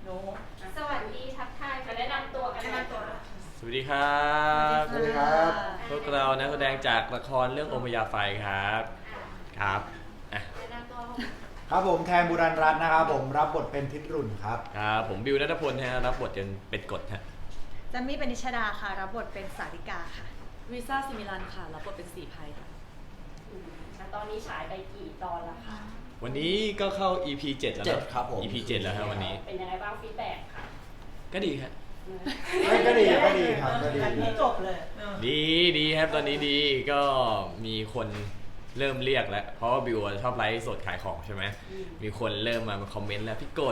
น้สวัสดีทักทายมาแนะนำตัวกันนะตัวสวัสดีครับสวัสดีครับพวกเรานักแสดงจากละครเรื่องโอมยาไฟครับครับแนะนำตัวครับผมแทนบุรันรัตน์นะครับผมรับบทเป็นทิศรุ่นครับครับผมบิวณัฐพลฮะรับบทเป็นกฎฮะจัมมี่เป็นนิชดาค่ะรับบทเป็นสาริกาค่ะวีซ่าซิมิลันค่ะรับบทเป็นสีภัยค่ะตอนนี้ฉายไปกี่ตอนแล้วคะวันนี้ก็เข้า EP 7แล้วครับผม EP 7แล้วครับวันนี้เป็นยังไงบ้างฟีดแบ็กค่ะก็ดีครับก็ดีครับก็ดีจบเลยดีครับตอนนี้ดีก็มีคนเริ่มเรียกแล้วเพราะว่าบิวชอบไลฟ์สดขายของใช่ไหมมีคนเริ่มมาคอมเมนต์แล้วพี่โกรธ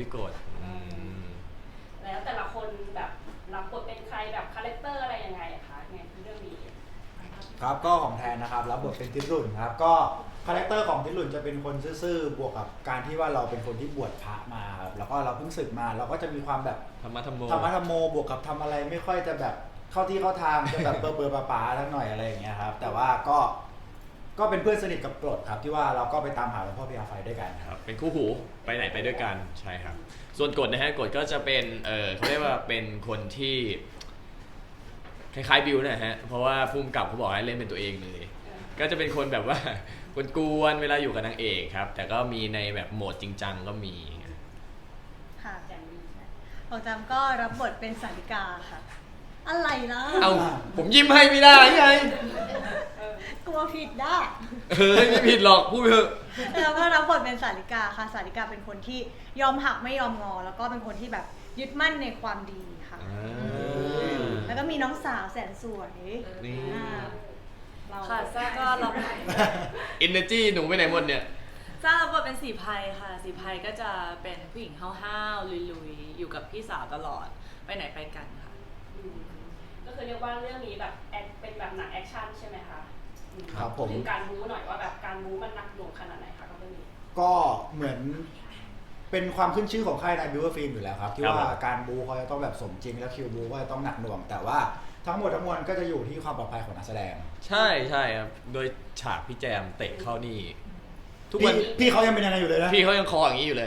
แล้วแต่ละคนแบบรับบทเป็นใครแบบคาแรคเตอร์อะไรยังไงคะในเรื่องนี้ครับก็ของแทนนะครับรับบทเป็นทิศรุ่นครับก็คาแรคเตอร์ของทิศรุ่นจะเป็นคนซื่อๆบวกกับการที่ว่าเราเป็นคนที่บวชพระมาครับแล้วก็เราเพิ่งศึกมาเราก็จะมีความแบบธรรมะธรรมโมบวกกับทำอะไรไม่ค่อยจะแบบเข้าที่เข้าทางจะแบบเบอร์ป๋าๆทั้งหน่อยอะไรอย่างเงี้ยครับแต่ว่าก็เป็นเพื่อนสนิทกับกรดครับที่ว่าเราก็ไปตามหาหลวงพ่อพญาไฟด้วยกันครับเป็นคู่หูไปไหนไปด้วยกันใช่ครับส่วนกฎนะฮะกฎก็จะเป็นเขาเรียกว่าเป็นคนที่คล้ายๆบิวนะฮะเพราะว่าภูมิกับเขาบอกให้เล่นเป็นตัวเองเลยก็จะเป็นคนแบบว่ากวนๆเวลาอยู่กับนางเอกครับแต่ก็มีในแบบโหมดจริงจังก็มีค่ะของจำก็รับบทเป็นสาริกาค่ะอะไรนะเอาผมยิ้มให้ไม่ได้ไงกลัวผิดได้ไม่ผิดหรอกพูดเถอะแล้วก็รับบทเป็นสาริกาค่ะสาริกาเป็นคนที่ยอมหักไม่ยอมงอแล้วก็เป็นคนที่แบบยึดมั่นในความดีค่ะแล้วก็มีน้องสาวแสนสวยนี่ค่ะซ่าก็รับ energy หนูไปไหนหมดเนี่ยซ่ารับบทเป็นสีภัยค่ะสีภัยก็จะเป็นผู้หญิงห้าวๆลุยๆอยู่กับพี่สาวตลอดไปไหนไปกันค่ะก็คือเรียกว่าเรื่องนี้แบบเป็นแบบหนังแอคชั่นใช่ไหมคะครับผมถึงการบู๊หน่อยว่าแบบการบู๊มันหนักหน่วงขนาดไหนคะกับเรื่องนี้ก็เหมือนเป็นความขึ้นชื่อของค่ายนายบิวเวอร์ฟิล์มอยู่แล้วครับที่ว่าการบูเขาจะต้องแบบสมจริงแล้วคิวบูก็จะต้องหนักหน่วงแต่ว่าทั้งหมดทั้งมวลก็จะอยู่ที่ความปลอดภัยของนักแสดงใช่ครับโดยฉากพี่แจมเตะเข้านี่ทุกวันพี่เขายังเป็นยังไงอยู่เลยนะพี่เขายังคออย่างนี้อยู่เลย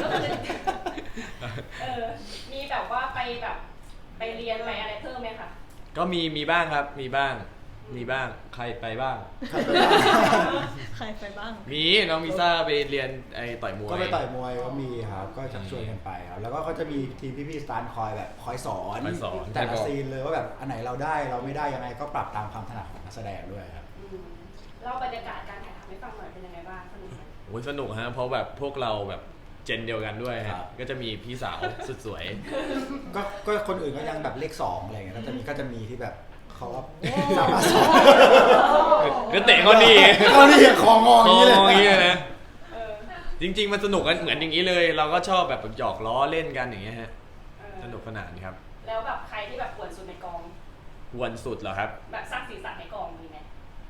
มีแบบว่าไปแบบไปเรียนไปอะไรเพิ่มไหมคะก็มีบ้างครับมีบ้างใครไปบ้างใครไปบ้างมีน้องมิซ่าไปเรียนต่อยมวยก็ไปต่อยมวยก็มีครับก็ชักชวนกันไปครับแล้วก็เขาจะมีทีมพี่ๆสตาร์คอยแบบคอยสอนแต่ละซีนเลยว่าแบบอันไหนเราได้เราไม่ได้ยังไงก็ปรับตามความถนัดของนักแสดงด้วยครับเล่าบรรยากาศการถ่ายทำให้ฟังหน่อยเป็นยังไงบ้างสนุกไหมโอ้ยสนุกฮะเพราะแบบพวกเราแบบเจนเดียวกันด้วยฮะก็จะมีพี่สาวสุดสวยก็คนอื่นก็ยังแบบเลข2อะไรเงี้ยก็จะมีที่แบบเขาก็สามารถสอนก็เตะเขาดีของงอย่างนี้เลยนะจริงๆมันสนุกกันเหมือนอย่างนี้เลยเราก็ชอบแบบหยอกล้อเล่นกันอย่างเงี้ยฮะสนุกขนาดนี้ครับแล้วแบบใครที่แบบกวนสุดในกองกวนสุดเหรอครับแบบสร้างสีสันในกองมีไหม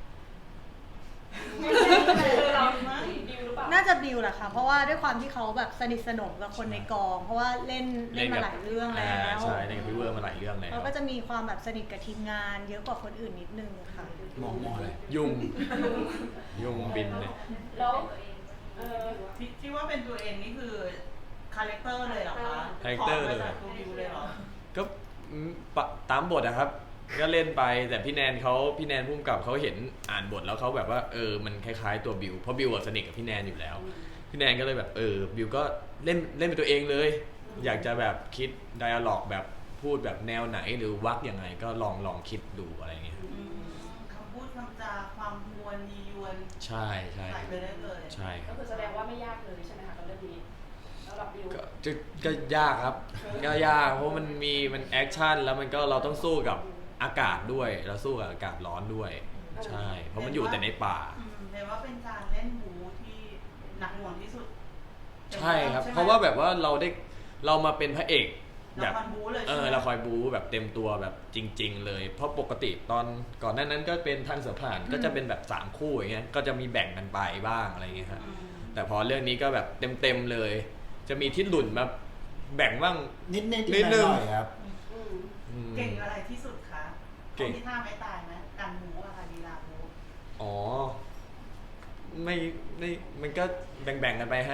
น่าจะบิวแหละค่ะเพราะว่าด้วยความที่เขาแบบสนิทสนมกับคนในกองเพราะว่าเล่นมาหลายเรื่องแล้วใช่เล่นกับพี่เวอร์มาหลายเรื่องแล้วเขาก็จะมีความแบบสนิทกับทีมงานเยอะกว่าคนอื่นนิดนึงค่ะมองอะไรยุงบินเนี่ยแล้วที่ว่าเป็นตัวเองนี่คือคาแรคเตอร์เลยเหรอคะคาแรคเตอร์เลยก็ตามบทนะครับก็เล่นไปแต่พี่แนนพุ่มกับเขาเห็นอ่านบทแล้วเขาแบบว่ามันคล้ายๆตัวบิวเพราะบิวสนิทกับพี่แนนอยู่แล้วพี่แนนก็เลยแบบบิวก็เล่นเป็นตัวเองเลยอยากจะแบบคิดไดอะล็อกแบบพูดแบบแนวไหนหรือวักยังไงก็ลองคิดดูอะไรเงี้ยคำพูดคำจาความมวลยียวนใช่ใส่ไปได้เลยใช่ก็คือแสดงว่าไม่ยากเลยใช่ไหมคะกับเรื่องนี้แล้วกับบิวก็ยากครับก็ยากเพราะมันแอคชั่นแล้วมันก็เราต้องสู้กับอากาศด้วยเราสู้กับอากาศร้อนด้วยใช่เพราะมันอยู่แต่ในป่าแต่ว่าเป็นการเล่นบูที่หนักหน่วงที่สุดใช่ครับเพราะว่าแบบว่าเรามาเป็นพระเอกแบบเราคอยบูแบบเต็มตัวแบบจริงๆเลยเพราะปกติตอนก่อนหน้านั้นก็เป็นทางเสือผ่านก็จะเป็นแบบ3คู่อย่างเงี้ยก็จะมีแบ่งกันไปบ้างอะไรเงี้ยครับแต่พอเรื่องนี้ก็แบบเต็มเลยจะมีที่หลุ่นมาแบ่งบ้างนิดนึงครับเก่งอะไรที่สุดคะเก่งที่ท่าไม่ตายไหมการบูอะค่ะลีลาบูอ๋อไม่มันก็แบ่งกันไปฮะ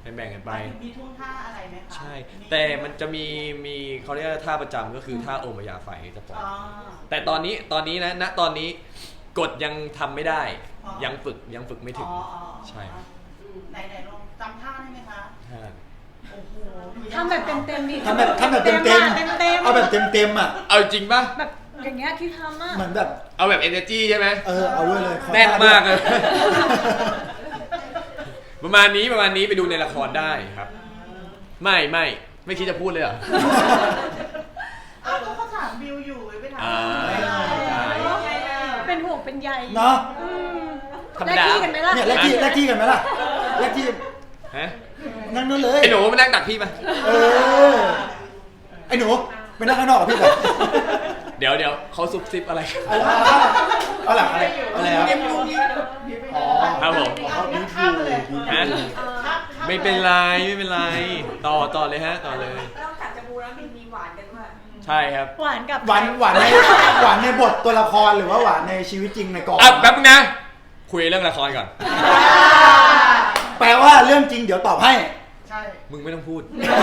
แบ่งกันไปมีท่วงท่าอะไรไหมคะใช่แต่มันจะมีเขาเรียกว่าท่าประจำก็คือท่าโอมยาไฟจะปล่อยอ๋อแต่ตอนนี้นะณตอนนี้กฎยังทำไม่ได้อ๋อยังฝึกไม่ถึงอ๋อใช่ไหนลองจำท่าได้ไหมคะท่าโอ้โหดูยากทำแบบเต็มๆดิทำแบบเต็มเต็มๆเอาแบบเต็มอ่ะเอาจริงป่ะแบบอย่างเงี้ยที่ทำอ่ะเหมือนแบบเอาแบบ energy ใช่ไหมเอาด้วยเลยขอแน่นมากท่เลย ประมาณนี้ไปดูในละครได้ครับ ไม่คิดจะพูดเลยเหรออ้าวก็เขาถามบิวอยู่ไม่ถามอ่าใช่เป็นห่วงเป็นใยเนาะอืมธรรมแลกดาที่กันไหมล่ะเนี่ยแลกที่กันไหมล่ะแลกที่ฮะนั่งนู่นเลยไอ้หนูมานั่งตักพี่มาไอ้หนูไปนั่งข้างนอกกับพี่แบบเดี๋ยวเขาซุบซิบอะไรเอาหลังอะไรครับอ๋อครับผมเขาบีบข้ามไปเลยฮะ ไม่เป็นไรต่อเลยฮะต่อเลยนอกจากจะบูแล้วมีหวานกันด้วยใช่ครับหวานกับหวานในบทตัวละครหรือว่าหวานในชีวิตจริงในกองแป๊บนึงนะ คุยเรื่องละครก่อนแปลว่าเรื่องจริงเดี๋ยวตอบให้ใช่มึงไม่ต้องพูด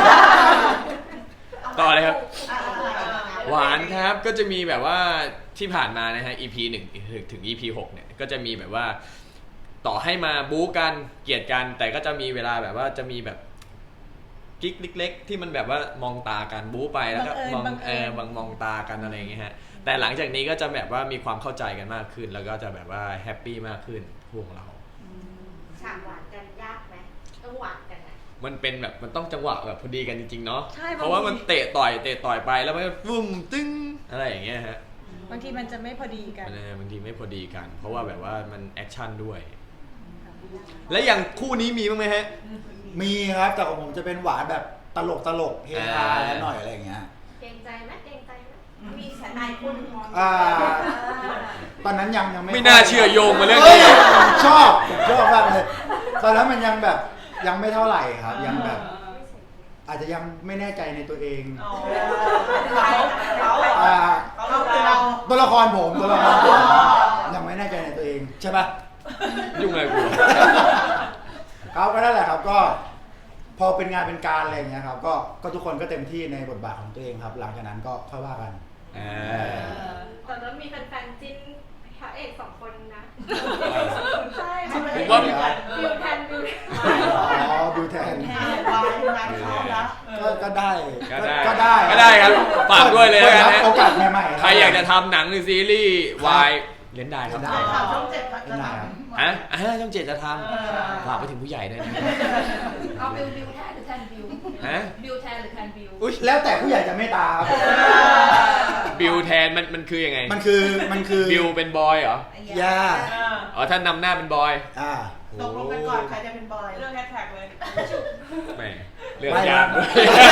ต่อเลยครับ หวานครับก็จะมีแบบว่าที่ผ่านมานะฮะ EP 1 ถึง EP 6 เนี่ยก็จะมีแบบว่า ต่อให้มาบู๊กันเกลียดกัน แต่ก็จะมีเวลาแบบว่าจะมีแบบกิ๊กเล็กๆที่มันแบบว่ามองตากันบู๊ไปแล้วก็มองมองตากันอะไรอย่างเงี้ยฮะแต่หลังจากนี้ก็จะแบบว่ามีความเข้าใจกันมากขึ้น แล้วก็จะแบบว่าแฮปปี้มากขึ้นพวกเราฉากหวานกันยากไหมต้องหวานกันนะมันเป็นแบบมันต้องจังหวะแบบพอดีกันจริงๆเนาะใช่เพราะว่ามันเตะต่อยไปแล้วมันก็วุ้มตึ้งอะไรอย่างเงี้ยฮะบางทีมันจะไม่พอดีกันมันบางทีไม่พอดีกัน เพราะว่าแบบว่ามันแอคชั่นด้วย แล้วอย่างคู่นี้มีบ้างไหมฮะมีครับแต่ของผมจะเป็นหวานแบบตลกเฮฮาแล้วหน่อยอะไรอย่างเงี้ยเกรงใจไหมมีฉันนายคุณมองตอนนั้นยังไม่ไม่น่าเชื่อโยงมาเรื่องเฮ้ยนี้ผมชอบมากเลยตอนนั้นมันยังแบบยังไม่เท่าไหร่ครับ ยังแบบ อาจจะยังไม่แน่ใจในตัวเองอ๋อเขาคือเราตัวละครผมยังไม่แน่ใจในตัวเองใช่ปะยุ่งอะไรกูเขาก็นั่นแหละครับก็ พอเป็นงานเป็นการอะไรอย่างเงี้ยครับก็ทุกคนก็เต็มที่ในบทบาทของตัวเองครับ หลังจากนั้นก็ค่อยว่ากันตอนนั้นมีแฟนๆจิ้นพระเอก2 คนนะใช่ผมว่าบิวแทนอ๋อบิวแทนวายงานเข้าแล้วก็ได้ก็ได้ครับฝากด้วยเลยนะฮะโอกาสใหม่ๆใครอยากจะทำหนังหรือซีรีส์วายเล่นได้ครับเล่นได้ข่าวช่อง 7จะทฮะช่อง 7จะทำฝากไปถึงผู้ใหญ่ด้วยนะเอาบิวแทนหรือแทนบิวฮะบิวแทนหรือแทนบิวอุ๊ยแล้วแต่ผู้ใหญ่จะเมตตาครับบิวแทนมันคือยังไงมันคือบิวเป็นบอยเหรอย่าอ๋อท่านนำหน้าเป็นบอยตกลงกันก่อนใครจะเป็นบอยเรื่องแฮชแท็กเลยแหมเรื่องยากด้วย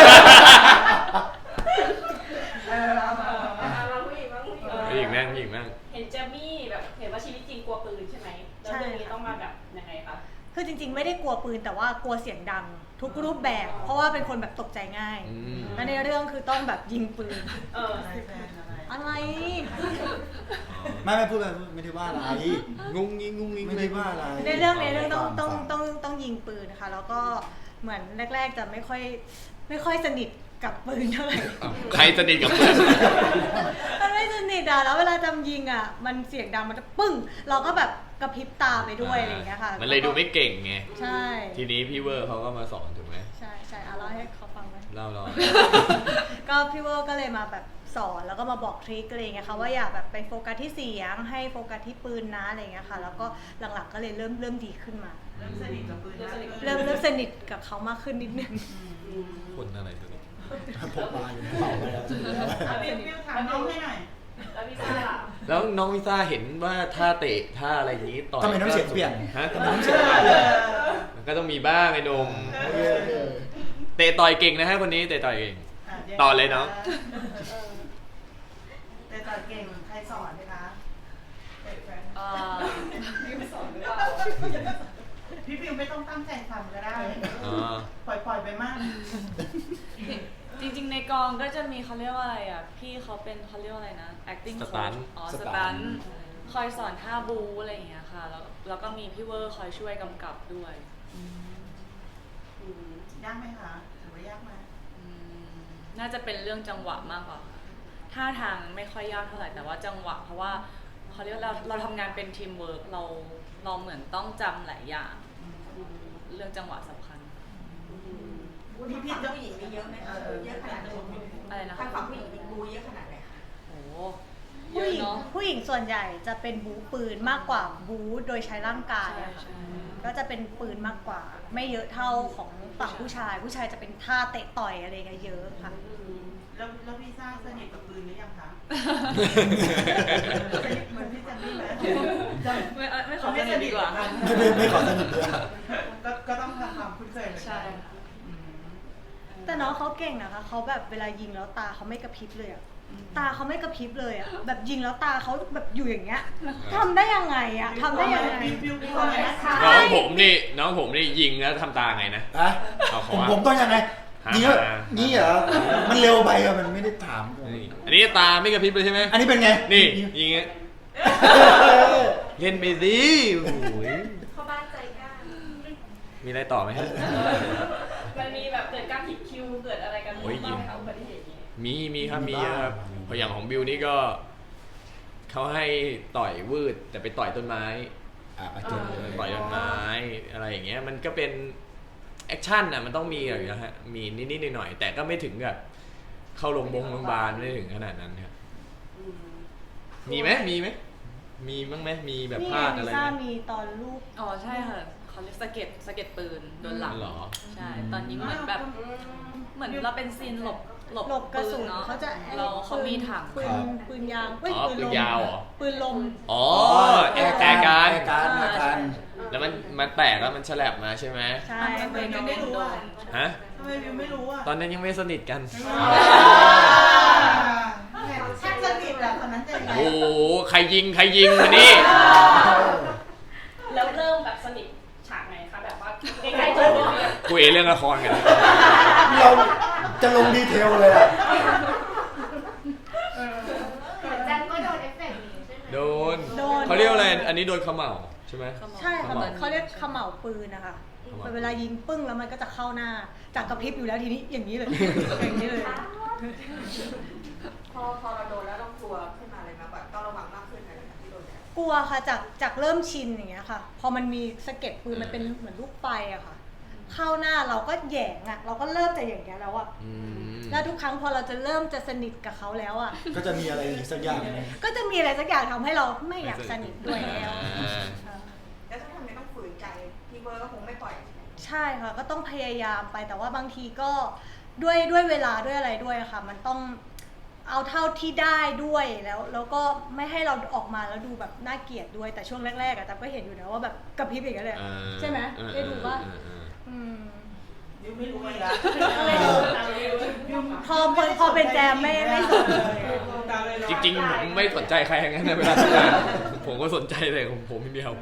เราผู้หญิงบ้างผู้หญิงผู้หญิงนั่งเห็นเจมี่แบบเห็นว่าชีวิตจริงกลัวปืนใช่ไหมแล้วเรื่องนี้ต้องมาแบบยังไงคะคือจริงๆ ไม่ได้กลัวปืนแต่ว่ากลัวเสียงดัง ทุกรูปแบบ เพราะว่าเป็นคนแบบตกใจง่าย และในเรื่องคือต้องแบบยิงปืน อะไรไม่พูดไม่ได้ว่าอะไรงุ้งงิ้งไม่ได้ว่าอะไรในเรื่องต้องฟัต้องยิงปืนนะคะแล้วก็เหมือนแรก ๆ จะไม่ค่อยสนิทกับปืนเท่าไหร่ใครสนิทกับเพื่อนมันไม่สนิทอ่ะแล้วเวลาจำยิงอ่ะมันเสียงดังมันจะปึ้ง เราก็แบบกระพริบตาไปด้วยอะไรอย่างเงี้ยค่ะมันเลยดูไม่เก่งไงใช่ทีนี้พี่เวอร์เขาก็มาสอนถูกไหมใช่อ่ะเล่าให้เขาฟังไหมเล่าก็พี่เวอร์ก็เลยมาแบบสอนแล้วก็มาบอกทริคอะไรอย่างเงี้ยค่ะว่าอย่าแบบไปโฟกัสที่เสียงให้โฟกัสที่ปืนนะอะไรอย่างเงี้ยค่ะแล้วก็หลังๆก็เลยเริ่มดีขึ้นมาเริ่มสนิทกับปืนแล้วเริ่มสนิทกับเขามากขึ้นนิดนึงคนอะไรตัวนี้พกมาอยู่ในกระเป๋าไปแล้วบิวถามน้องให้หน่อยแล้วพี่ซ่าล่ะแล้วน้องวิซ่าเห็นว่าท่าเตะท่าอะไรอย่างนี้ต่อยทำไมน้ำเสียงเปลี่ยนฮะทำไมน้ำเสียงเปลี่ยนมันก็ต้องมีบ้างไอ้หนมเตะต่อยเก่งนะฮะคนนี้เตะต่อยเก่ง ต่อเลยน้องแต่ต่อเก่งใครสอนไหมคะพี่บิวไม่ต้องตั้งใจทำก็ได้ ปล่อยไปมากจริงๆในกองก็จะมีเขาเรียกว่าอะไรอ่ะพี่เขาเป็นเขาเรียกว่าอะไรนะ acting coach สตันคอยสอนท่าบูอะไรอย่างเงี้ยค่ะแล้วก็มีพี่เวอร์คอยช่วยกำกับด้วยอืมยากไหมคะถือว่ายากไหมน่าจะเป็นเรื่องจังหวะมากกว่าค่ะท่าทางไม่ค่อยยากเท่าไหร่แต่ว่าจังหวะเพราะว่าเขาเรียกเราทำงานเป็นทีมเวิร์กเราเหมือนต้องจำหลายอย่างเรื่องจังหวะสำคัญพี่จะผู้หญิงมีเยอะไหมคะเยอะขนาดไหนอะไรนะคะทางฝั่งผู้หญิงมีบูเยอะขนาดไหนคะโอ้เยผู้อะหญิงเนาะผู้หญิงส่วนใหญ่จะเป็นบูปืนมากกว่าบูโดยใช้ร่างกายอะค่ะใช่ก็จะเป็นปืนมากกว่า ไม่เยอะเท่าของฝั่งผู้ชายจะเป็นท่าเตะต่อยอะไรกันเยอะค่ะแล้วพี่ซ่าสนิทกับปืนหรือยังคะสนิทเหมือนพี่เจนนี่ไหมไม่ขอสนิทดีกว่าไม่ขอสนิทด้วยก็ต้องทำความคุ้นเคยเหมือนใช่กันค่ะแต่น้องเขาเก่งนะคะเขาแบบเวลายิงแล้วตาเขาไม่กระพริบเลยอะตาเขาไม่กระพริบเลยอะแบบยิงแล้วตาเขาแบบอยู่อย่างเงี้ยทำได้ยังไงอะทำได้ยังไงบิวก่อนนะคะน้องผมนี่ยิงแล้วทำตาไงนะอะเอาเขาผมว่าผมต้องยังไงนี่เหรอนี่เหรอมันเร็วไปอะมันไม่ได้ถามผมอันนี้ตาไม่กระพริบเลยใช่ไหมอันนี้เป็นไงนี่ยิงเงี้ยเล่นไปสิโอ้ยเข้าบ้านใจกล้ามีอะไรต่อไหมฮะมันมีแบบเกิดการผิดคิวเกิดอะไรกันโอ้ยบ้างไหมคะอุบัติเหตุนี้มีครับมีเยอะครับเพราะอย่างของบิวนี่ก็เขาให้ต่อยวืดแต่ไปต่อยต้นไม้ประเจนเลยต่อยต้นไม้อะไรอย่างเงี้ยมันก็เป็นแอคชั่นอ่ะมันต้องมีอยู่แล้วฮะมีนิดๆหน่อยๆแต่ก็ไม่ถึงกับเข้าโรงพยาบาลไม่ถึงขนาดนั้นครับมีไหมมีบ้างไหมมีแบบนี่พลาดลิอะไรซ่าไหมมีตอนลูกอ๋อใช่ค่ะเขาเรียกสะเก็ดปืนโดนหลังเหรอใช่ตอนนี้เหมือนแบบเหมือนเราเป็นซีนหลบหลบกระสุนเนาะเขาจะเขามีถังปืนยางเอ้ยอ๋อปืนยาวเหรอปืนลมอ๋อแอร์การการแล้วมันแตกแล้วมันฉลับมาใช่ไหมใช่ทำไมบิวไม่รู้อ่ะฮะทำไมบิวไม่รู้อ่ะตอนนั้นยังไม่สนิทกันแค่สนิทอะตอนนั้นจะยังไงโอ้โหใครยิงมานี่แล้วเริ่มแบบสนิทฉากไหนคะแบบว่าใกล้ๆจบเลยคุยเรื่องละครกันเราจะลงดีเทลเลยอะเหมือนแจมก็โดนเอฟเฟกต์นี้ใช่ไหมโดนเขาเรียกว่าอะไรอันนี้โดนเขม่าใช่ไหมใช่ค่ะเขม่าเขาเรียกเขม่าปืนนะคะเขม่าเวลายิงปึ้งแล้วมันก็จะเข้าหน้า จากกระพริบอยู่แล้วทีนี้อย่างนี้เลย อย่างนี้เลยพอเราโดนแล้วเรากลัวขึ้นมาเลยไหมแบบต้องระวังมากขึ้นอะไรแบบที่โดนเนี่ยกลัวค่ะจากเริ่มชินอย่างเงี้ยค่ะ พอมันมีสะเก็ดปืนมันเป็นเหมือนลูกไฟอะค่ะ เข้าหน้าเราก็แหยงอะเราก็เริ่มจะอย่างเงี้ยแล้วอะอืมแล้วทุกครั้งพอเราจะเริ่มจะสนิทกับเขาแล้วอะก็จะมีอะไรอีกสักอย่างหนึ่งก็จะมีอะไรสักอย่างทำให้เราไม่อยากสนิทด้วยแล้วแล้วถ้าทำไมต้องฝืนใจพี่เบิร์ดก็คงไม่ปล่อยใช่ค่ะก็ต้องพยายามไปแต่ว่าบางทีก็ด้วยเวลาด้วยอะไรด้วยอะค่ะ มันต้องเอาเท่าที่ได้ด้วยแล้วก็ไม่ให้เราออกมาแล้วดูแบบน่าเกลียดด้วยแต่ช่วงแรกๆอะแต่ก็เห็นอยู่นะว่าแบบกระพริบอย่างเงี้ยเลยใช่ไหมได้ดูว่าบิวไม่รู้เลยละพอเป็นแจมไม่สนเลยอะจริงๆผมไม่สนใจใครอย่างนั้นนะเวลาทำงานผมก็สนใจแต่ของผมคนเดียว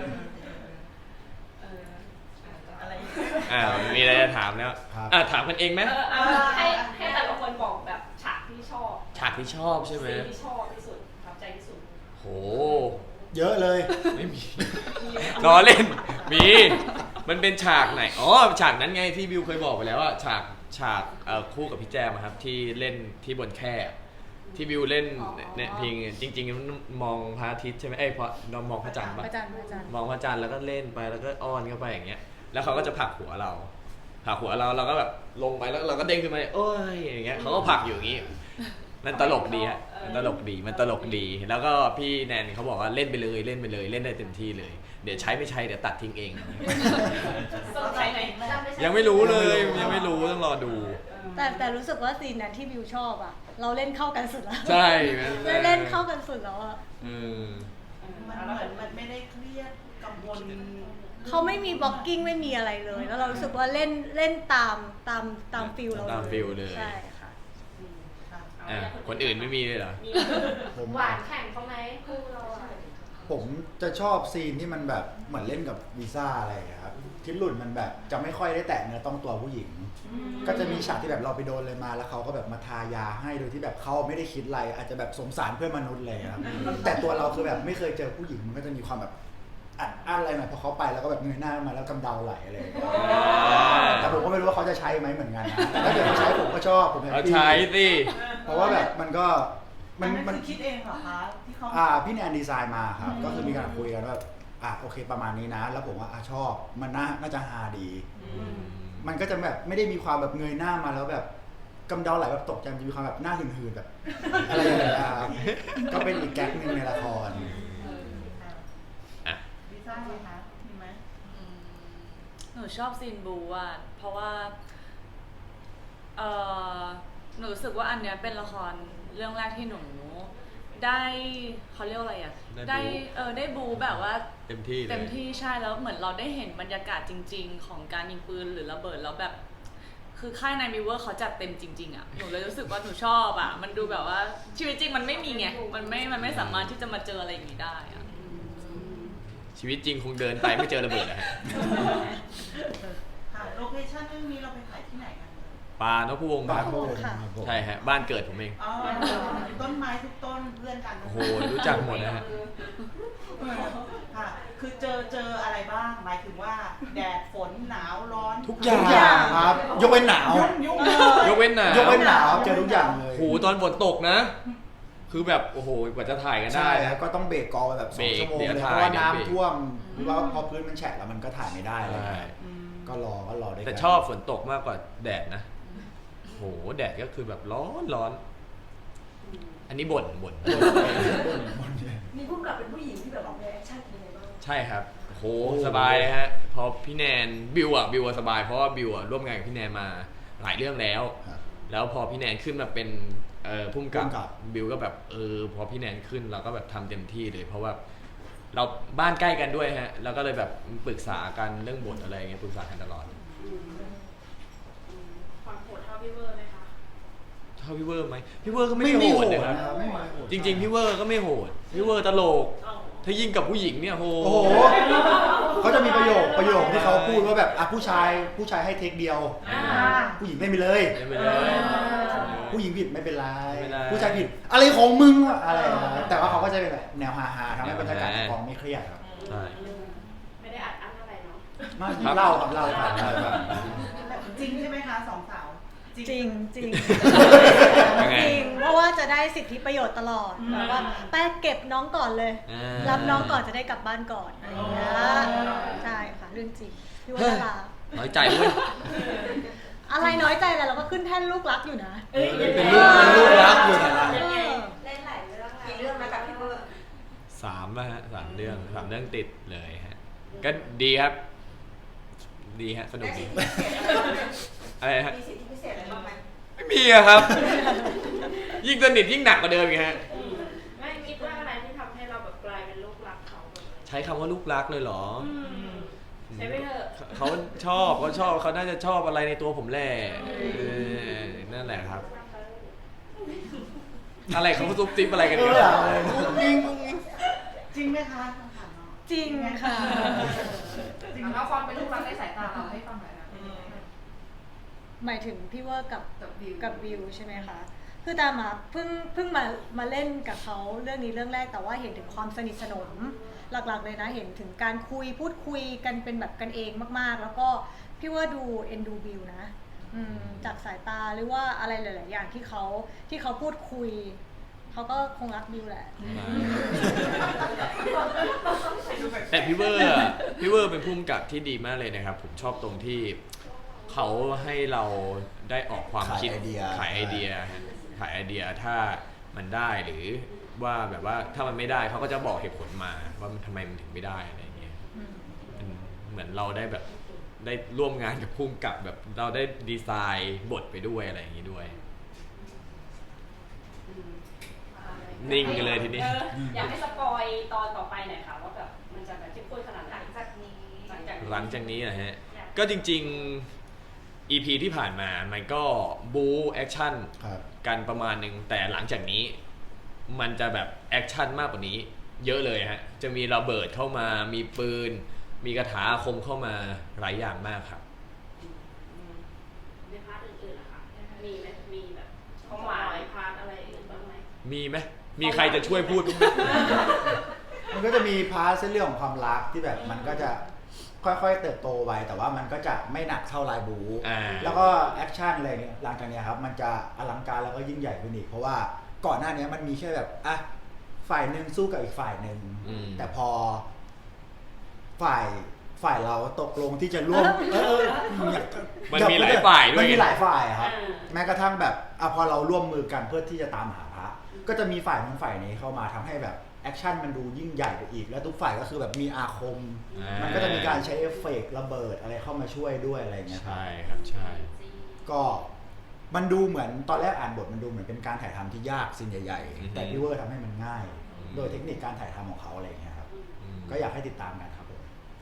มีอะไรจะถามแล้วถามกันเองไหมให้แต่ละคนบอกแบบฉากที่ชอบฉากที่ชอบใช่ไหมซีนที่ชอบที่สุดประทับใจที่สุดโหเยอะเลยไม่มี ล้อเล่น มันเป็นฉากไหน อ๋อ ฉากนั้นไงที่บิวเคยบอกไปแล้วว่าฉากคู่กับพี่แจมอะครับที่เล่นที่บนแคร่ที่บิวเล่นเนี่ยเพลงจริงๆมองพระอาทิตย์ใช่ไหมพอมองพระจันทร์ปะพระจันทร์มองพระจันทร์แล้วก็เล่นไปแล้วก็อ้อนเข้าไปอย่างเงี้ยแล้วเขาก็จะผลักหัวเราเราก็แบบลงไปแล้วเราก็เด้งขึ้นมาโอ้ยอย่างเงี้ยเขาก็ผลักอยู่อย่างงี้มันตลกดีฮะมันตลกดี แล้วก็พี่แนนเขาบอกว่าเล่นไปเลยเล่นได้เต็มที่เลยเดี๋ยวใช้ไม่ใช้เดี๋ยวตัดทิ้งเองสนใจไหนยังไม่รู้เลยยังไม่รู้ต้องรอดูแต่รู้สึกว่าซีนนั้นที่บิวชอบอะเราเล่นเข้ากันสุดแล้วใช่เล่นเข้ากันสุดแล้วอะมันเหมือนมันไม่ได้เครียดกังวลเขาไม่มีบล็อกกิ้งไม่มีอะไรเลย แล้วเรารู้สึกว่าเล่นตามฟิลเราตามฟิลเลยใช่ค่ะคนอื่นไม่มีเลยเหรอผมหวานแข่งเขาไหมคู่เราอะผมจะชอบซีนที่มันแบบเหมือนเล่นกับวีซ่าอะไรอย่างเงี้ยครับที่หลุดมันแบบจะไม่ค่อยได้แตะเนื้อต้องตัวผู้หญิง ก็จะมีฉากที่แบบเราไปโดนเลยมาแล้วเขาก็แบบมาทายาให้โดยที่แบบเขาไม่ได้คิดอะไรอาจจะแบบสงสารเพื่อนมนุษย์เลยครับแต่ตัวเราคือแบบไม่เคยเจอผู้หญิงมันก็จะมีความแบบอัดอะไรหน่อยพอเขาไปแล้วก็แบบเงยหน้ามาแล้วกำเดาไหลอะไรอย่างเงี้ยแต่ผมก็ไม่รู้ว่าเขาจะใช้ไหมเหมือนกันนะแต่ถ้าเกิดเขาใช้ผมก็ชอบผมแฮปเอาปี้ใช้สิเพราะว่าแบบมันก็อันนั้นคือคิดเองเหรอคะที่เขาพี่แนนดีไซน์มาครับก็คือมีการคุยกันว่าโอเคประมาณนี้นะแล้วผมว่าชอบมันน่าจะฮาดี มันก็จะแบบไม่ได้มีความแบบเงยหน้ามาแล้วแบบกำเดาไหลแบบตกใจมันจะมีความแบบหน้าหืนๆแบบอะไรอย่างเงี้ยครับก็เป็นอีกแก๊กหนึ่งในละครลิซ่าเหรอคะมีไหมหนูชอบซีนบูอ่ะเพราะว่าหนูรู้สึกว่าอันเนี้ยเป็นละครเรื่องแรกที่หนูได้เขาเรียกว่าอะไรอ่ะได้บูแบบว่าเต็มที่เลยเต็มที่ใช่แล้วเหมือนเราได้เห็นบรรยากาศจริง ๆ ของการยิงปืนหรือระเบิดแล้วแบบคือค่ายนายมิเวอร์เขาจัดเต็มจริงๆอ่ะหนูเลยรู้สึกว่าหนูชอบอ่ะมันดูแบบว่าชีวิตจริงมันไม่มีไงมันไม่สามารถที่จะมาเจออะไรอย่างนี้ได้อ่ะชีวิตจริงคงเดินไปไม่เจอระเบิดนะฮะค่ะโลเคชั่นเรื่องนี้เราไปถ่ายที่ไหนกันปานพวงศ์ครับค่ะใช่ฮะบ้านเกิดผมเองอ๋อต้นไม้ทุกต้นเพื่อนกันโอ้โหรู้จักหมดนะฮะค่ะคือเจออะไรบ้างหมายถึงว่าแดดฝนหนาวร้อนทุกอย่างทุกอย่างครับยกเว้นหนาวยุ่งยกเว้นหนายกเว้นหนาวเจอทุกอย่างเลยโหตอนฝนตกนะ คือแบบโอ้โหกว่าจะถ่ายกันได้ใช่นะแล้วก็ต้องเบรกกองไปแบบเบรก 2 ชั่วโมงเดี๋เลยยวเพถ่ายราะว่าเดี๋ยวเบรกน้ำท่วมหรือว่าพอพื้นมันแฉะแล้วมันก็ถ่ายไม่ได้อะไรอย่างใช่เงี้ยก็รอได้แต่ชอบฝนตกมากกว่าแดดนะโหแดดก็คือแบบร้อน อันนี้บ่นมีผู้กำกับเป็นผู้หญิงที่แบบออกในแอคชั่นเป็นยังไงบ้างใช่ครับโหสบายเลยฮะพอพี่แนนบิวอะสบายเพราะว่าบิวอะร่วมงานกับพี่แนนมาหลายเรื่องแล้วครับแล้วพอพี่แนนขึ้นมาเป็นผู้กำกับผู้กำกับบิวก็แบบพอพี่แนนขึ้นเราก็แบบทำเต็มที่เลย เพราะว่าเราบ้านใกล้กันด้วยฮะแล้วก็เลยแบบปรึกษากันเรื่องบทอะไรอย่างเงี้ยปรึกษากันตลอดความโหดเท่าพี่เวอร์ไหมคะเท่าพี่เวอร์ไหมพี่เวอร์ก็ไม่โหดนะครับไม่โหดจริงๆพี่เวอร์ก็ไม่โหดพี่เวอร์ตลกถ้ายิ่งกับผู้หญิงเนี่ยโหโอ้โหเขาจะมีประโยคที่เขาพูดว่าแบบผู้ชายให้เทคเดียว ผู้หญิงไม่มีเลยไม่เลยผู้หญิงผิดไม่เป็นไรไม่เป็นไรผู้ชายผิดอะไรของมึงวะอะไรอย่างเงี้ยแต่ว่าเขาก็จะเป็นแบบแนวฮาๆทำให้บรรยากาศในกองไม่เครียดครับใช่ไม่ได้อัดอั้นอะไรเนาะมาเล่าครับเล่าครับจริงใช่ไหมคะสองสาวจริงจริงยังไงจริงเพราะว่าจะได้สิทธิประโยชน์ตลอดแบบว่าแป้เก็บน้องก่อนเลย รับน้องก่อนจะได้กลับบ้านก่อนอะไรอย่างเงี้ยใช่ค่ะเรื่องจริงพี่ว่าดาราน้อยใจเว้ยอะไรน้อยใจแหละเราก็ขึ้นแท่นลูกรักอยู่นะเป็นลูกรักอยู่นะเออเล่นหลายเรื่องกี่เรื่องนะกับพี่เวอร์ 3แล้วฮะ3 เรื่องติดเลยฮะก็ดีครับ ดีฮะสนุกดีอะไรฮะมีสิทธิพิเศษอะไรบ้างไหมไม่มีอะครับ ยิ่งสนิทยิ่งหนักกว่าเดิมอีกฮะไม่คิดว่าอะไรที่ทำให้เราแบบกลายเป็นลูกรักเขาแบบใช้คำว่าลูกรักเลยเหรอใช้ไปเถอะเขาเขาน่าจะชอบอะไรในตัวผมแหละนั่นแหละครับ อะไรเขาซุบซิบอะไรกันเนี่ยจริงไหมคะคำถามเนาะจริงค่ะจริงเอาความเป็นลูกรักในสายตาเราให้ฟังหน่อยนะหมายถึงพี่เวอร์กับวิวกับวิวใช่ไหมคะ คือตามมาเพิ่งมาเล่นกับเขาเรื่องนี้เรื่องแรกแต่ว่าเห็นถึงความสนิทสนมหลักๆเลยนะเห็นถึงการพูดคุยกันเป็นแบบกันเองมากๆ แล้วก็พี่ว่าดูเอ็นดูวิวนะจากสายตาหรือว่าอะไรหลายๆอย่างที่เขาพูดคุยเขาก็คงรักวิวแหละแต่พี่เวอร์เป็นผู้กำกับที่ดีมากเลยนะครับ ผมชอบตรงที่เขาให้เราได้ออกความคิดขายไอเดียถ้ามันได้หรือว่าแบบว่าถ้ามันไม่ได้เขาก็จะบอกเหตุผลมาว่ามันทำไมมันถึงไม่ได้อะไรอย่างเงี้ยเหมือนเราได้แบบได้ร่วมงานกับผู้กำกับแบบเราได้ดีไซน์บทไปด้วยอะไรอย่างงี้ด้วย นิ่งกันเลยทีนี้อยากให้สปอยตอนต่อไปหน่อยค่ะว่าแบบมันจะแบบเข้มข้นขนาดไหนหลังจากนี้หลังจากนี้นะฮะก็จริงๆ EP ที่ผ่านมามันก็บู๊แอคชั่นครับกันประมาณหนึ่งแต่หลังจากนี้มันจะแบบแอคชั่นมากกว่านี้เยอะเลยฮะจะมีระเบิดเข้ามามีปืนมีกระถาอาคมเข้ามาหลายอย่างมากครับในพาร์ทอื่นๆนะคะมีไหมมีแบบความหมายพาร์ทอะไรอื่นบ้างไหมมีไหมมีใครจะช่วยพูดบ้างไหมมันก็จะมีพาร์ทเส้นเรื่องของความรักที่แบบมันก็จะค่อยๆเติบโตไปแต่ว่ามันก็จะไม่หนักเท่าลายบู๊แล้วก็แอคชั่นอะไรเนี่ยหลังจากเนี้ยครับมันจะอลังการแล้วก็ยิ่งใหญ่ขึ้นอีกเพราะว่าก่อนหน้านี้มันมีแค่แบบฝ่ายหนึ่งสู้กับอีกฝ่ายหนึ่งแต่พอฝ่ายเราตกลงที่จะร่วมมันมีหลายฝ่ายด้วยมันมีหลายฝ่ายครับแม้กระทั่งแบบพอเราร่วมมือกันเพื่อที่จะตามหาพระก็จะมีฝ่ายนู้นฝ่ายนี้เข้ามาทำให้แบบแอคชั่นมันดูยิ่งใหญ่ไปอีกแล้วทุกฝ่ายก็คือแบบมีอาคมมันก็จะมีการใช้เอฟเฟกต์ระเบิดอะไรเข้ามาช่วยด้วยอะไรเงี้ยครับใช่ครับใช่ก็มันดูเหมือนตอนแรกอ่านบทมันดูเหมือนเป็นการถ่ายทำที่ยากสิ่งใหญ่ๆแต่พี่เวอร์ทำให้มันง่าย โดยเทคนิคการถ่ายทำของเขาอะไรเงี้ยครับก็อยากให้ติดตามกันครับผม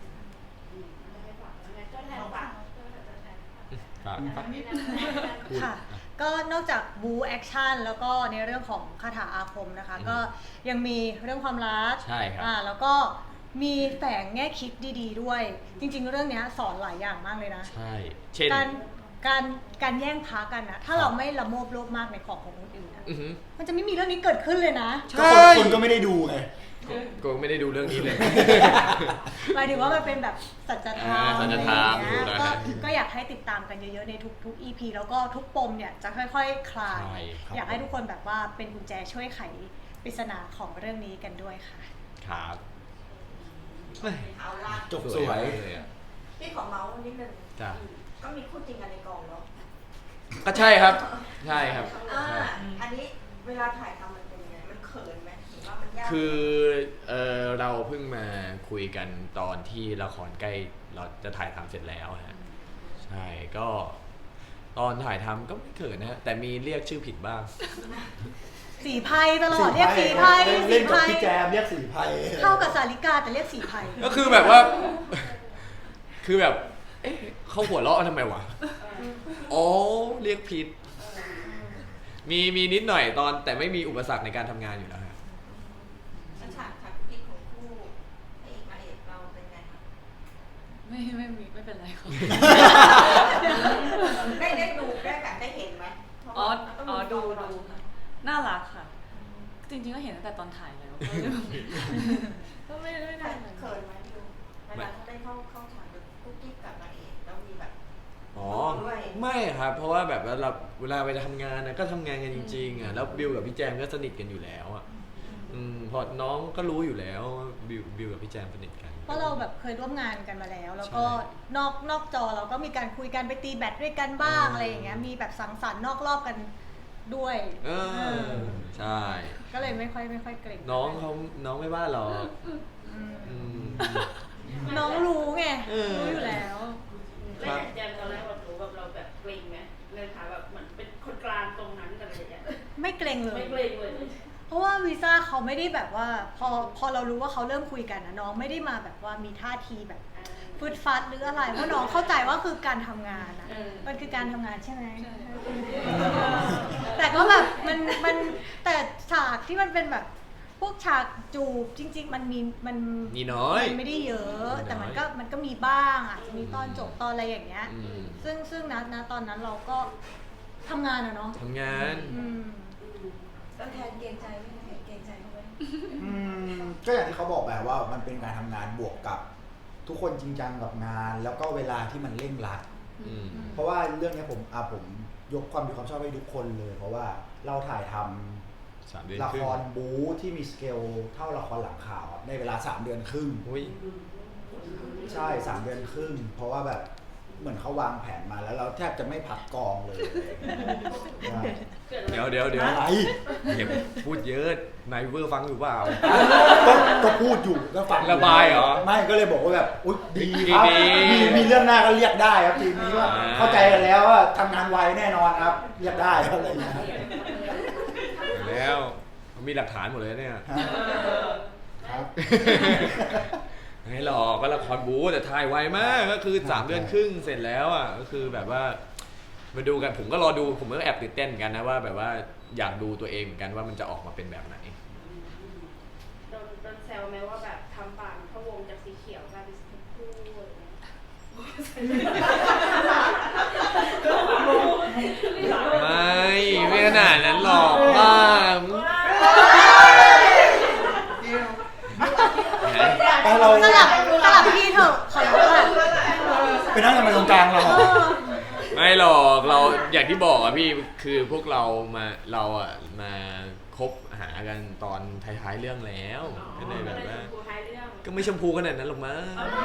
ค่ะก็นอกจากบูแอคชั่นแล้วก็ในเรื่องของคาถาอาคมนะคะก็ยังมีเรื่องความรักใช่ครับแล้วก็มีแฝงแง่คิดดีๆด้วยจริงๆเรื่องนี้สอนหลายอย่างมากเลยนะใช่เช่นการแย่งพากันนะถ้าเราไม่ละโมบโลภมากในของคนอื่นนะมันจะไม่มีเรื่องนี้เกิดขึ้นเลยนะคนก็ไม่ได้ดูไงก็ไม่ได้ดูเรื่องนี้เลยหมายถึงว่ามันเป็นแบบสัจธรรมสัจธรรมก็อยากให้ติดตามกันเยอะๆในทุก EP แล้วก็ทุกปมเนี่ยจะค่อยๆคลายอยากให้ทุกคนแบบว่าเป็นกุญแจช่วยไขปริศนาของเรื่องนี้กันด้วยค่ะครับเอาล่ะจบสวยพี่ขอเมาส์นิดนึงก็มีคู่จริงกันในกองเนาะก็ใช่ครับใช่ครับอันนี้เวลาถ่ายทำมันเป็นยังไงมันเขินไหมหรือว่ามันยากคือเราเพิ่งมาคุยกันตอนที่ละครใกล้เราจะถ่ายทำเสร็จแล้วฮะใช่ก็ตอนถ่ายทำก็ไม่เขินนะแต่มีเรียกชื่อผิดบ้างสีไพตลอดเรียกสีไพเล่นกับพี่แจมเรียกสีไพเข้ากับสาริกาแต่เรียกสีไพก็คือแบบว่าคือแบบเอ๊ะเขาหัวเราะทำไมวะอ๋อเรียกผิดมีนิดหน่อยตอนแต่ไม่มีอุปสรรคในการทำงานอยู่แล้วครับฉากพิกของคู่พระเอกนางเอกเราเป็นไงคะไม่เป็นไรครับได้ดูได้แบบได้เห็นไหมดูน่ารักค่ะจริงๆก็เห็นตั้งแต่ตอนถ่ายแล้วก็ไม่ได้เขินไหมดูเวลาถ้าได้เข้าฉากกุ๊กกิ๊กกับนางเอกแล้วมีแบบไม่ครับเพราะว่าแบบเวลาไปทำงานนะก็ทำงานกันจริงๆแล้วบิวกับพี่แจมก็สนิทกันอยู่แล้วพอน้องก็รู้อยู่แล้วบิวกับพี่แจมสนิทกันเพราะเราแบบเคยร่วมงานกันมาแล้วแล้วก็นอกจอเราก็มีการคุยกันไปตีแบดด้วยกันบ้างอะไรอย่างเงี้ยมีแบบสังสรรค์นอกรอบกันด้วยใช่ก็เลยไม่ค่อยเกรงน้องไม่ว่าหรอกน้องรู้ไงรู้อยู่แล้วแล้วแจมตอนแรกเรารู้แบบเราแบบเกรงไหมเลยค่ะแบบเหมือนเป็นคนกลางตรงนั้นอะไรอย่างเงี้ยไม่เกรงเลยไม่เกรงเลยเพราะว่าวีซ่าเขาไม่ได้แบบว่าพอเรารู้ว่าเขาเริ่มคุยกันนะน้องไม่ได้มาแบบว่ามีท่าทีแบบฟึดฟัดหรืออะไรเพราะน้องเข้าใจว่าคือการทำงานนะมันคือการทำงานใช่ไหมแต่ก็แบบมันแต่ฉากที่มันเป็นแบบพวกฉากจูบจริงๆมันมีน้อยไม่ได้เยอะแต่มันก็มีบ้างอาจจะมีตอนจบตอนอะไรอย่างเงี้ยซึ่งนะตอนนั้นเราก็ทำงานอะเนาะทำงานก็แทนเกรงใจไม่เกรงใจเขาไหมก็อย่างที่เขาบอกแบบว่ามันเป็นการทำงานบวกกับทุกคนจริงจังกับงานแล้วก็เวลาที่มันเร่งรัดเพราะว่าเรื่องนี้ผมยกความดีความชอบให้ทุกคนเลยเพราะว่าเราถ่ายทำละครบู๊ที่มีสเกลเท่าละครหลังข่าวในเวลา3 เดือนครึ่งใช่3 เดือนครึ่งเพราะว่าแบบเหมือนเขาวางแผนมาแล้วเราแทบจะไม่พักกองเลยเดี๋ยวอะไรอย่าพูดเยอะนายเวอร์ฟังอยู่เปล่าก็พูดอยู่ก็ฟังระบายเหรอไม่ก็เลยบอกว่าแบบอุ๊ยดีครับมีเรื่องหน้าก็เรียกได้ครับทีนี้ว่าเข้าใจกันแล้วว่าทำงานไวแน่นอนครับเรียกได้อะไรอย่างเงี้ยแล้วมีหลักฐานหมดเลยเนี่ยครับไม่หรอกก็ละครบู๊แต่ถ่ายไวมากก็คือ3 เดือนครึ่งเสร็จแล้วอ่ะก็คือแบบว่ามาดูกันผมก็รอดูผมก็แอบตื่นเต้นกันนะว่าแบบว่าอยากดูตัวเองเหมือนกันว่ามันจะออกมาเป็นแบบไหนโดนแซวไหมว่าแบบทำปากพะวงจากสีเขียวกลายเป็นสีชมพูไม่ขนาดนั้นหรอกว่าเราสลับที่เถอะขอร้องอะไปนั่งกันมาตรงกลางเราไม่หรอกเราอย่างที่บอกอะพี่คือพวกเรามามาคบหากันตอนท้ายๆเรื่องแล้วก็เลยแบบว่าครูท้ายเรื่องก็ไม่ชมพูขนาดนั้นหรอกมั้ง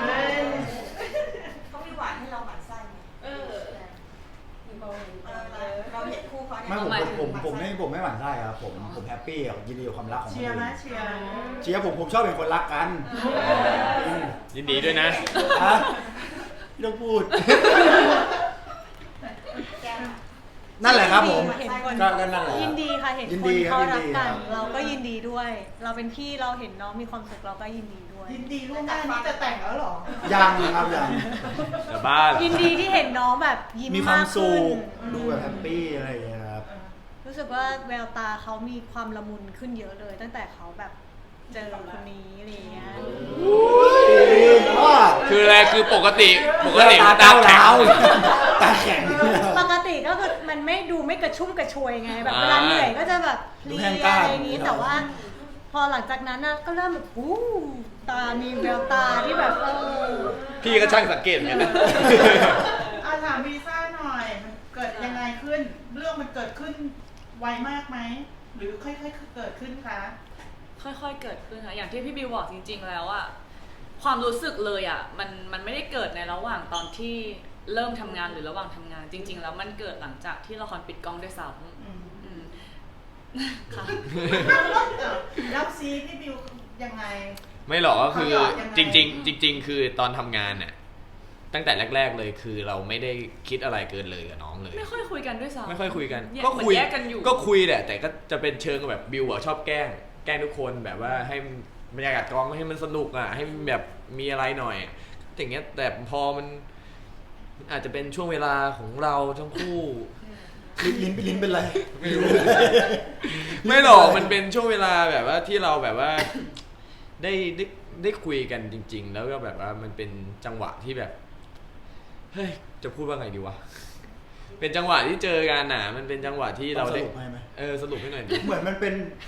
เขามีหวานให้เราหมั่นไส้ไหมเออเราเห็นคู่เขาเนี่ยไม่ผมไม่หวั่นไส้ครับผมแฮปปี้กับยินดีกับความรักของคนเชียร์ไหมอื่นเชียร์เชียร์ผมชอบเป็นคนรักกันยินดีด้วยนะฮะไม่ต้องพูด นั่นแหละครับผมเห็นคนก็นั่นแหละยินดีค่ะเห็นยินคดีนครับเขารักยินดีกันครับเราก็ยินดีด้วย เราเป็นพี่เราเห็นน้องมีความสุขเราก็ยินดีด้วยยินดีล่วงหน้านี่จะแต่งแล้วเหรอยังครับยังแต่บ้าเหรอยินดีที่เห็นน้องแบบยิ้มมีความมากสุขึ้นขดูแบบแฮปปี้อะไรอย่างเงี้ยครับรู้สึกว่าแววตาเขามีความละมุนขึ้นเยอะเลย ตั้งแต่เขาแบบเจอคนนี้อะไรอย่างเงี้ยคืออะไรคือปกติตาตาเก้าแข็งร้าวตาแข็งปกติก็คือมันไม่ดูไม่กระชุ่มกระชวยไงแบบอ่าเวลาเหนื่อยก็จะแบบเพดูลีแห้ยงกร้านอะไรอย่างงี้แต่ว่า พอหลังจากนั้นน่ะก็เริ่มแบบตามีแววตาที่แบบพี่ก็ช่างสังเกตเหมือนกันนะถามวีซ่าหน่อยมันเกิดยังไงขึ้น เรื่องมันเกิดขึ้นไวมากไหมหรือค่อยๆเกิดขึ้นคะค่อยๆเกิดขึ้นค่ะอย่างที่พี่บิวบอกจริง ๆ แล้วอะความรู้สึกเลยอะมันไม่ได้เกิดในระหว่างตอนที่เริ่มทำงานหรือระหว่างทำงาน จริง ๆ แล้วมันเกิดหลังจากที่ละครปิดกล้องด้วยซ้ำอืมค่ะแล้วซีพี่บิวยังไงไม่หรอกก็คือเขาหยอดยังไงจริงๆคือตอนทำงานน่ะตั้งแต่แรก ๆเลยคือเราไม่ได้คิดอะไรเกินเลยกับน้องเลยไม่ค่อยคุยกันด้วยซ้ำไม่ค่อยคุยกันแยก็คุยเหมือนแยกกันอยู่ก็คุยแหละแต่ก็จะเป็นเชิงแบบบิวอะชอบแกล้งทุกคนแบบว่าให้บรรยากาศกองให้มันสนุกอะให้มันแบบมีอะไรหน่อยอย่างเงี้ยแต่พอมันอาจจะเป็นช่วงเวลาของเราทั้งคู่ลิ้นเป็นไรไม่รู้ ไม่หรอกมันเป็นช่วงเวลาแบบว่าที่เราแบบว่าได้คุยกันจริง ๆ แล้วก็แบบว่ามันเป็นจังหวะที่แบบเฮ้ยจะพูดว่าไงดีวะเป็นจังหวะที่เจอกันน่ะมันเป็นจังหวะที่เราได้สรุปให้ไหมสรุปให้หน่อยดิเหมือนมัน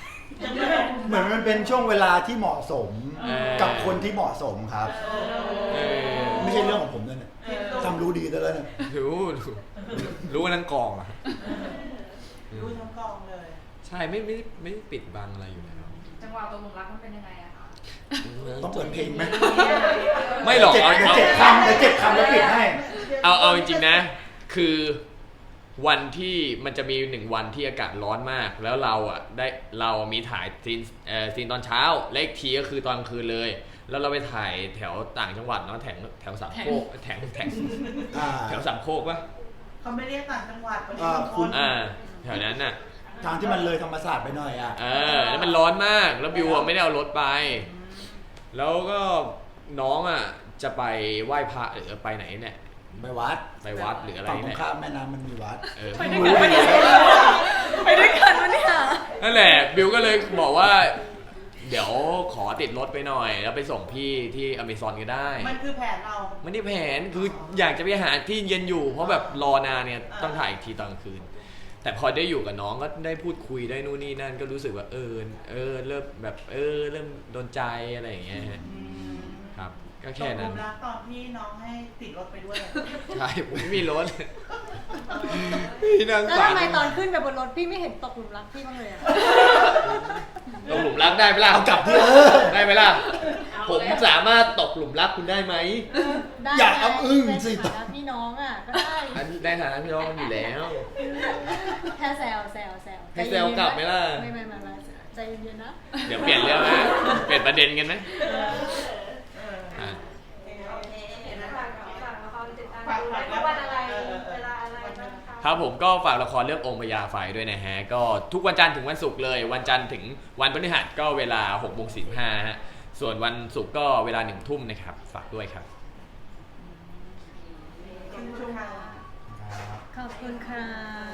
เป็นช่วงเวลาที่เหมาะสม กับคนที่เหมาะสมครับ ไม่ใช่เรื่องของผมด้วยเนี่ยทำรู้ดีซะแล้วเนี่ยรู้ว่านั่งกองอ่ะรู้ทั้งกองเลยใช่ไม่ปิดบังอะไรอยู่แล้วจังหวะตกหลุมรักมันเป็นยังไงอะคะต้องเปิดเพลงไหมไม่หรอกเดี๋ยวเจ็ดคำแล้วปิดให้เอาจริงๆนะ คือวันที่มันจะมี1 วันที่อากาศร้อนมาก แล้วเรามีถ่ายซีนตอนเช้าและอีกทีก็คือตอนกลางคืนเลย แล้วเราไปถ่ายแถวต่างจังหวัดเนาะแถวสามโคกแถวสามโคกปะเขาไม่เรียกต่างจังหวัดเขาเรียอ่าก คุณแถวนั้นน่ะทางที่มันเลยธรรมศาสตร์ไปหน่อยอ่ะแล้วมันร้อนมากแล้วบิวอะไม่ได้เอารถไป แล้วก็น้องอ่ะจะไปไหว้พระหรือไปไหนเนี่ยไปวัดไปวัดหรืออะไรฝั่งตรเนี่งยข้ามแม่น้ำมันมีวัดไปด้วยกันปะเนี่ยไปด้วยกันปะเนี่ยนั่นแหละบิวก็เลยบอกว่า เดี๋ยวขอติดรถไปหน่อย แล้วไปส่งพี่ที่อเมซอนก็ได้มันคือแผนเรามันนี่แผนคืออยากจะไปหาที่เย็นอยู่ เพราะแบบรอนานเนี่ยต้องถ่ายอีกทีตอนกลางคืน แต่พอได้อยู่กับน้องก็ได้พูดคุยได้นู่นนี่นั่นก็รู้สึกว่าเริ่มแบบเริ่มโดนใจอะไรอย่างเงี้ยฮะครับก็แค่นั้นตกหลุมรักตอนที่น้องให้ติดรถไปด้วยใช่ผมไม่มีรถพี่นางแล้วสารทำไมตอนขึ้นไปบนรถพี่ไม่เห็นตกหลุมรักพี่บ้างเลยอะตกหลุมรักได้ไหมล่ะเอากลับที่ได้ไหมล่ะผมสามารถตกหลุมรักคุณได้ไหมได้อย่าอ้ำอึ้งสิในฐานะพี่น้องอ่ะก็ได้อันนี้ได้ฐานะพี่น้องกันอยู่แล้วแค่แซวให้แซวกลับไหมล่ะไม่ใจเย็นๆนะเดี๋ยวเปลี่ยนเรื่องนะเปลี่ยนประเด็นกันไหมอ่ะเห็นไหมฝากละครติดตามดูได้ทุกวันอะไรเวลาอะไรบ้างคะครับผมก็ฝากละครเรื่ององค์พญาไฟด้วยนะฮะก็ทุกวันจันทร์ถึงวันศุกร์เลย วันจันทร์ถึงวันพฤหัสก็เวลา 6:45 ฮะส่วนวันศุกร์ก็เวลา 1 ทุ่มนะครับฝากด้วยครับขอบคุณค่ะ